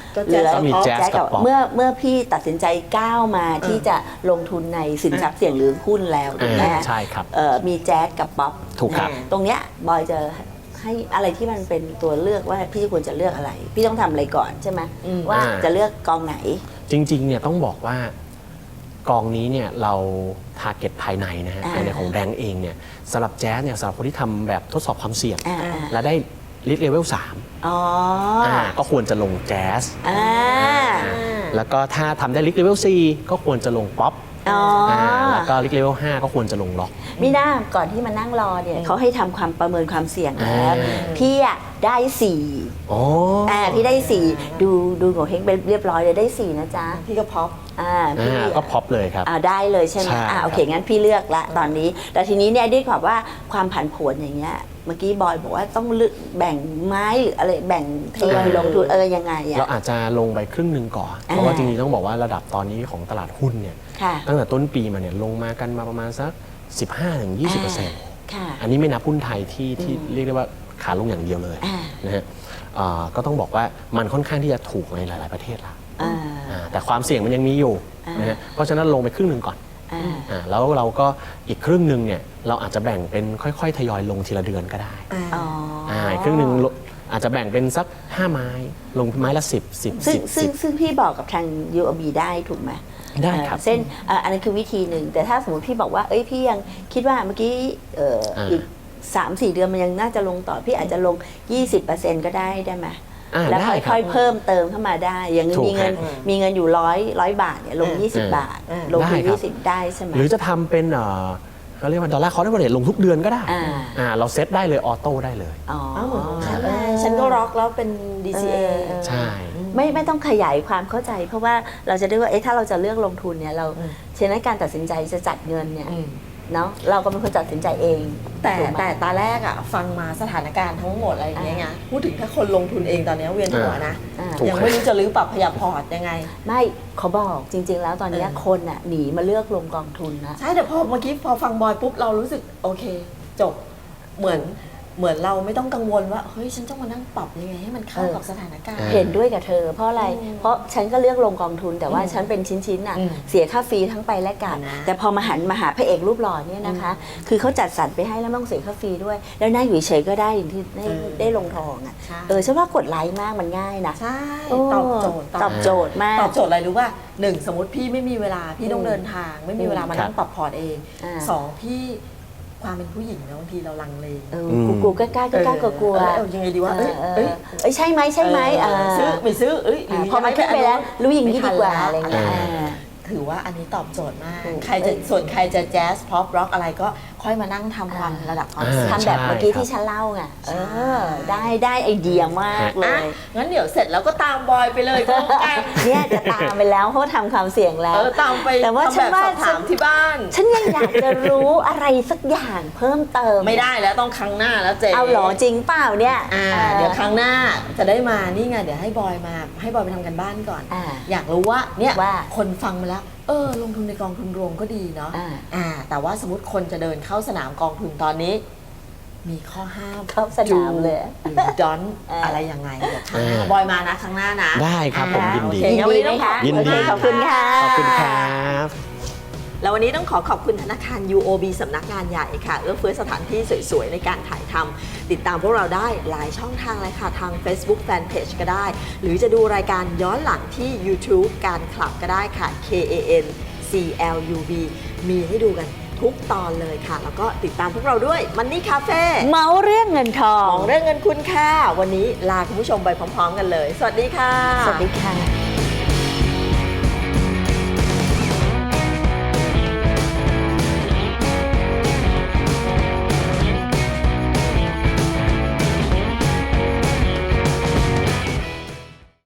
Speaker 3: ก็
Speaker 4: เหลือ
Speaker 3: Jazz
Speaker 5: ก็มี
Speaker 3: กับ
Speaker 5: Jazz กับ Pop
Speaker 4: เมื่อเมื่อพี่ตัดสินใจก้าวมาที่จะลงทุนในสินทรัพย์เสี่ยงหรือหุ้นแล้วถูกไหม
Speaker 5: อ่า
Speaker 4: ฮะ
Speaker 5: ใช่ครับ
Speaker 4: เอ่อมีแจ๊สกับป๊อป
Speaker 5: ถูกครับ
Speaker 4: ตรงเนี้ยบอยจะให้อะไรที่มันเป็นตัวเลือกว่าพี่ควรจะเลือกอะไร พี่ต้องทำอะไรก่อนใช่ไหม
Speaker 3: อืม
Speaker 4: ว่า
Speaker 5: อ่า
Speaker 4: จะเลือกกองไหน
Speaker 5: จริงๆเนี่ยต้องบอกว่ากองนี้เนี่ยเราทาร์เก็ตภายในนะฮะ
Speaker 4: อ่า
Speaker 5: ภายในของแบงก์เองเนี่ยสำหรับแจ๊สเนี่ยสำหรับคนที่ทำแบบทดสอบความเสี่ยง
Speaker 4: อ่าอ่า
Speaker 5: และได้ลิทเลเวลสาม
Speaker 4: อ๋อ
Speaker 5: อ่าก็ควรจะลงแจ๊ส
Speaker 4: อ่า
Speaker 5: แล้วก็ถ้าทำได้ลิทเลเวลสี่ก็ควรจะลงป๊อป
Speaker 4: อ๋ออ่
Speaker 5: าแล้วก็ลิทเลเวลห้าก็ควรจะลงล็อก
Speaker 4: มีหน้าก่อนที่มานั่งรอเนี่ยเขาให้ทำความประเมินความเสี่ยงแล้ว
Speaker 5: อ่า
Speaker 4: พี่อะได้สี่
Speaker 5: อ๋อ
Speaker 4: อ่าพี่ได้สี่ดูดูโงเฮงไปเรียบร้อยเลยได้สี่นะจ๊ะ
Speaker 3: พี่ก็พ็อป
Speaker 4: อ่าพี่
Speaker 5: อ่าก็พ็อปเลยครับ
Speaker 4: อ่าได้เลยใช่ไหม
Speaker 5: ใช่
Speaker 4: อ่าโอเค
Speaker 5: ครับ
Speaker 4: งั้นพี่เลือกละตอนนี้ แต่ทีนี้เนี่ยด้วยความว่าความผันผวนอย่างเงี้ยเมื่อกี้บอยบอกว่าต้องเลือกแบ่งไม้หรืออะไรแบ่งทยอยลงทุนเออยังไง
Speaker 5: เรา
Speaker 4: อ่ะ
Speaker 5: อาจจะลงไปครึ่งหนึ่งก่อน
Speaker 4: อ่า
Speaker 5: เพราะว่าจริงๆต้องบอกว่าระดับตอนนี้ของตลาดหุ้นเนี่ย
Speaker 4: ค่ะ
Speaker 5: ตั้งแต่ต้นปีมาเนี่ยลงมากันมาประมาณสัก สิบห้าถึงยี่สิบเปอร์เซ็นต์
Speaker 4: ค่ะ
Speaker 5: อันนี้ไม่นับหุ้นไทยที่ที่เรียกได้ว่าขาลงอย่างเดียวเลย
Speaker 4: อ่า
Speaker 5: นะฮะอ่าก็ต้องบอกว่ามันค่อนข้างที่จะถูกในหลาย ๆประเทศละ
Speaker 4: อ่า
Speaker 5: อ่าแต่ความเสี่ยงมันยังมีอยู่
Speaker 4: อ่าน
Speaker 5: นะฮะเพราะฉะนั้นลงไปครึ่งหนึ่งก่อน
Speaker 4: อ่า
Speaker 5: อ่าแล้วเราก็อีกครึ่งหนึ่งเนี่ยเราอาจจะแบ่งเป็นค่อย ๆ ทยอยลงทีละเดือนก็ได้
Speaker 4: อ๋ออ
Speaker 5: อ่าอีกครึ่งหนึ่งลงอาจจะแบ่งเป็นสักห้าไม้ลงไม้ละสิบ สิบ
Speaker 4: ซึ่ง
Speaker 5: สิบ
Speaker 4: ซึ่
Speaker 5: สิ
Speaker 4: ง
Speaker 5: บ
Speaker 4: ซึ่งพี่บอกกับทาง ยู โอ บี ได้ถูกไหม
Speaker 5: ได้ครับ
Speaker 4: เอ่อเส้นเอ่ออันนั้นคือวิธีหนึ่งแต่ถ้าสมมติพี่บอกว่าเอ้ยพี่ยังคิดว่าเมื่อกี้เอ่ออา อีก สามสี่ เดือนมันยังน่าจะลงต่อพี่อาจจะลง ยี่สิบเปอร์เซ็นต์ ก็ได้ได้ไหม
Speaker 5: อ่า
Speaker 4: แล้ว
Speaker 5: ได้ครั
Speaker 4: ค่อบ ยๆเพิ่มเติมเข้ามาได้ อย่าง
Speaker 5: ถูก
Speaker 4: มีเงิน
Speaker 5: ครับ
Speaker 4: มีเงินอยู่ร้อยร้อยบาทเนี่ยลง
Speaker 3: อืม
Speaker 4: ยี่สิบ
Speaker 5: อืม
Speaker 4: บาท
Speaker 3: อืม
Speaker 4: ลงทุน
Speaker 5: ได้ครับ
Speaker 4: ยี่สิบได้ใช่ไหม
Speaker 5: หรือจะทำเป็นเอ่อเขาเรียกว่าดอลลาร์คอร์เรทลงทุกเดือนก็ได้
Speaker 4: อ่า
Speaker 5: อ่าเราเซตได้เลยออโต้ได้เลย
Speaker 4: อ๋อ
Speaker 3: อ้าวเหมือนของฉัน
Speaker 4: เอ
Speaker 3: เลย
Speaker 4: อ
Speaker 3: ฉันก็ร็อกแล้วเป็น ดี ซี เอ
Speaker 4: เออ
Speaker 5: ใช่
Speaker 4: ไม่ไม่ต้องขยายความเข้าใจ เพราะว่าเราจะได้ว่าเอ๊ะถ้าเราจะเลือกลงทุนเนี่ยเรา
Speaker 3: อืม
Speaker 4: ฉะนั้นการตัดสินใจจะจัดเงินเนี่ย
Speaker 3: อืม
Speaker 4: เนาะเราก็เป็นคนตัดสินใจเอง
Speaker 3: แต่
Speaker 4: ถูกไหม
Speaker 3: แต่ตาแรกอะฟังมาสถานการณ์ทั้งหมดอะไรอย่างเงี้ยไงพูดถึงถ้าคนลงทุนเองตอนเนี้ยเวียนหัวนะ
Speaker 4: อ่า
Speaker 5: ถูก
Speaker 3: ยังไม่รู้จะรื้อปรับขยับพอร์ตยังไง
Speaker 4: ไม่เขาบอกจริง ๆ แล้วตอนเนี้ย
Speaker 3: เออ
Speaker 4: คนอ่ะหนีมาเลือกลงกองทุนนะ
Speaker 3: ใช่แต่พอเมื่อกี้พอฟังบอยปุ๊บเรารู้สึกโอเค จบเหมือนเหมือนเราไม่ต้องกังวลว่าเฮ้ยฉันต้องมานั่งปรับยังไงให้มันเข้า
Speaker 4: เออ
Speaker 3: กับสถานการณ์
Speaker 5: อ่า
Speaker 4: เห็นด้วยกับเธอ เพราะอะไร
Speaker 3: อืม
Speaker 4: เพราะฉันก็เลือกลงกองทุนแต่ว่า
Speaker 3: อืม
Speaker 4: ฉันเป็นชิ้นๆน่ะ
Speaker 3: อืม
Speaker 4: เสียค่าฟรีทั้งไปและกลับ
Speaker 3: นะ
Speaker 4: แต่พอมาหันมาหาพระเอกรูปหล่อเนี่ยนะคะ คือเขาจัดสรรไปให้แล้วไม่ต้องเสียค่าฟรีด้วย แล้วนั่งอยู่เฉยๆก็ได้อย่างที่ได้
Speaker 3: เออ
Speaker 4: ได้ลงทองอ่ะ
Speaker 3: ใช่
Speaker 4: เออฉันว่ากดไลค์มากมันง่ายนะ
Speaker 3: ใช่
Speaker 4: โอ้
Speaker 3: ตอบโจทย์
Speaker 4: ตอบโจทย์มาก
Speaker 3: ตอบโจทย์อะไรรู้ป่ะหนึ่งสมมติพี่ไม่มีเวลาพี่ต้อง
Speaker 4: อืม
Speaker 3: เดินทาง ไม่มีเวลามา
Speaker 5: ครับ
Speaker 3: นั่งปรับพอร์ตเอง
Speaker 4: อ่า
Speaker 3: สองพี่ความเป็นผู้หญิงนะบางทีเราลังเล
Speaker 4: เออ
Speaker 5: อืม
Speaker 4: กูกูกล้ากล้ากล้ากลัวกลัว
Speaker 3: เออเออยังไงดีวะเอ้ย
Speaker 4: เออ
Speaker 3: เอ้ย
Speaker 4: เอ้ยใช่ไหมใช่ไหม
Speaker 3: เออ
Speaker 4: เออ
Speaker 3: ซื้อไม่ซื้อเอ้ยหรือ
Speaker 4: พอมันขึ้นไปแล้วรู้อย่างนี้ดีกว่าอะไร
Speaker 3: ม่ทัน
Speaker 4: เงี้ย
Speaker 3: แล้ว
Speaker 4: อ่า
Speaker 3: ถือว่าอันนี้ตอบโจทย์มาก
Speaker 4: ถูก
Speaker 3: ใครจะส่วนใครจะแจ๊สพ็อปร็อกอะไรก็ค่อยมานั่งทำความ
Speaker 4: อ่า
Speaker 3: ระดับความ
Speaker 5: อ่า
Speaker 3: เสี่ยง
Speaker 4: ทำแบบเมื่อกี้
Speaker 5: ใช่ครับ
Speaker 4: ที่ฉันเล่าไงเอ
Speaker 3: ใช่
Speaker 4: อได้ได้ไอเดียมากเล
Speaker 3: อ่ะ
Speaker 4: ย
Speaker 3: งั้นเดี๋ยวเสร็จแล้วก็ตามบอยไปเลยก็แล้วกัน
Speaker 4: เนี่ยจะตามไปแล้วเพราะว่าทำความเสี่ยงแล้
Speaker 3: เอ
Speaker 4: ว
Speaker 3: อตามไป
Speaker 4: แต่ว่า
Speaker 3: ทำ
Speaker 4: ฉัน
Speaker 3: แบบ
Speaker 4: ว่า
Speaker 3: สอบถามที่บ้าน
Speaker 4: ฉันยังอยากจะรู้อะไรสักอย่างเพิ่มเติม
Speaker 3: ไม่ได้แล้วต้องครั้งหน้าแล้วเจ๊
Speaker 4: เอาเหรอจริงเปล่าเนี่ย
Speaker 3: อ่า
Speaker 4: ออ
Speaker 3: เดี๋ยวครั้งหน้าจะได้มานี่ไงเดี๋ยวให้บอยมาให้บอยไปทำกันบ้านก่อน
Speaker 4: อ่า
Speaker 3: อยากรู้ว่าเนี่ย
Speaker 4: ว่า
Speaker 3: คนฟังมาแล้ว เออ ลงทุนในกองทุนรวมก็ดีเนาะ
Speaker 4: อ่า
Speaker 3: อ่า แต่ว่าสมมติคนจะเดินเข้าสนามกองทุนตอนนี้ มีข้อห้าม
Speaker 4: เข้าสนามเลย
Speaker 3: หรือดอน
Speaker 4: อ่า
Speaker 3: อะไรยังไงเดี๋ยวครั้งหน้า
Speaker 5: อ่า
Speaker 3: บอยมานะครั้งหน้านะ
Speaker 5: ได้ครับผมยินดี
Speaker 3: โอเคงั้นวันนี้ต้องขอบ
Speaker 5: ยินดี
Speaker 4: ขอบคุณค่ะ
Speaker 5: ขอบคุณครับ
Speaker 3: แล้ววันนี้ต้องขอขอบคุณธนาคาร ยู โอ บี สำนักงานใหญ่ค่ะเอื้อเฟื้อสถานที่สวยๆ ในการถ่ายทำติดตามพวกเราได้หลายช่องทางเลยค่ะ ทาง Facebook Fanpage ก็ได้ หรือจะดูรายการย้อนหลังที่ YouTube การคลับก็ได้ค่ะ เค เอ เอ็น ซี แอล ยู บี มีให้ดูกันทุกตอนเลยค่ะ แล้วก็ติดตามพวกเราด้วย Money Cafe
Speaker 4: เมาเรื่องเงินทอ
Speaker 3: มอง งเรื่องเงินคุณค่ะ วันนี้ลาคุณผู้ชมไปพร้อมๆ กันเลย สวัสดีค่ะ
Speaker 4: สวัสดีค่ะ